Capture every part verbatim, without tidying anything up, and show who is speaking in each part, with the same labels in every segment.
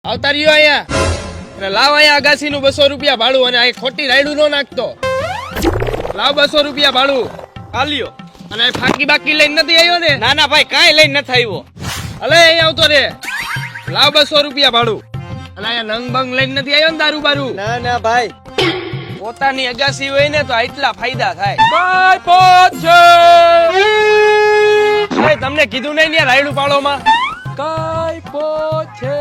Speaker 1: આવતા રહ્યો અહીંયા અને લાવ અહીંયા અગાસી નું બસો રૂપિયા ભાડું અને આ ખોટી રાયડું નો નાખતો. લાવ બસો રૂપિયા ભાડું આલ્યો. અને ફાકી બાકી લઈને નથી આવ્યો ને?
Speaker 2: ના ના ભાઈ કાંઈ લઈને નથી આવ્યો.
Speaker 1: અલે અહીંયા આવતો રે. લાવ બસો રૂપિયા ભાડું. અને અહીંયા નંગ બંગ લઈને નથી આવ્યો ને દારૂ બારૂ?
Speaker 2: ના ના ભાઈ,
Speaker 1: પોતાની અગાસી હોય ને તો આટલા ફાયદા થાય. કઈ પહોંચે તમને કીધું નહીં ને રાયડું પાડો માં. કઈ પહોંચે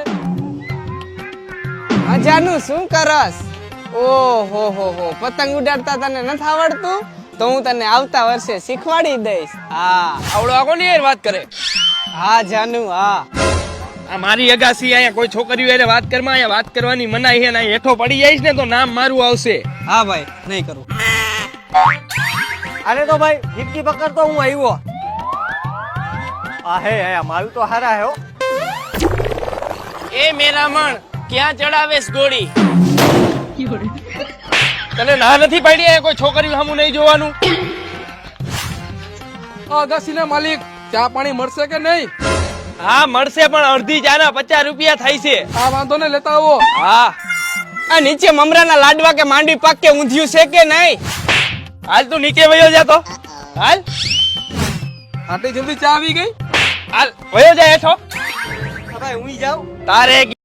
Speaker 3: અજાનું શું કરસ? ઓહો હો હો પતંગ ઉડાડતા તને નથી આવડતું? તો હું તને આવતા વર્ષે શીખવાડી દઈશ. હા
Speaker 1: આવડો આકો ની યાર વાત કરે.
Speaker 3: હા જાનુ હા.
Speaker 1: આ મારી અગાસી અહીંયા કોઈ છોકરીઓ એટલે વાત કરમાં અહીંયા વાત કરવાની મનાઈ છે ને હેઠો પડી જઈશ ને તો નામ મારું આવશે.
Speaker 3: હા ભાઈ નહીં કરું.
Speaker 2: અરે તો ભાઈ ફિફ્ટી પકડ તો હું આવ્યો. આ હે હે મારું તો હારા હે હો.
Speaker 1: એ મેરા મણ ક્યાં ચડાવેશ ગોળી? તને ના નથી પાડી અહીંયા કોઈ છોકરીઓ સામું નહીં જોવાનું?
Speaker 4: અગાસીના માલિક ચા પાણી મળશે કે નહીં?
Speaker 1: હા મળશે પણ અડધી ચાના પચાસ રૂપિયા થાય છે.
Speaker 4: આ વાંધો ને લેતા આવો.
Speaker 1: હા
Speaker 3: આ નીચે મમરાના લાડવા કે માંડવી પાક કે ઊંધિયું છે કે નહીં?
Speaker 1: હાલ તું નીચે વયો જા તો. હાલ
Speaker 4: આટલી જલ્દી ચા આવી ગઈ?
Speaker 1: હાલ વયો જા હેઠો.
Speaker 2: ભાઈ હું જાઉં.
Speaker 1: તારે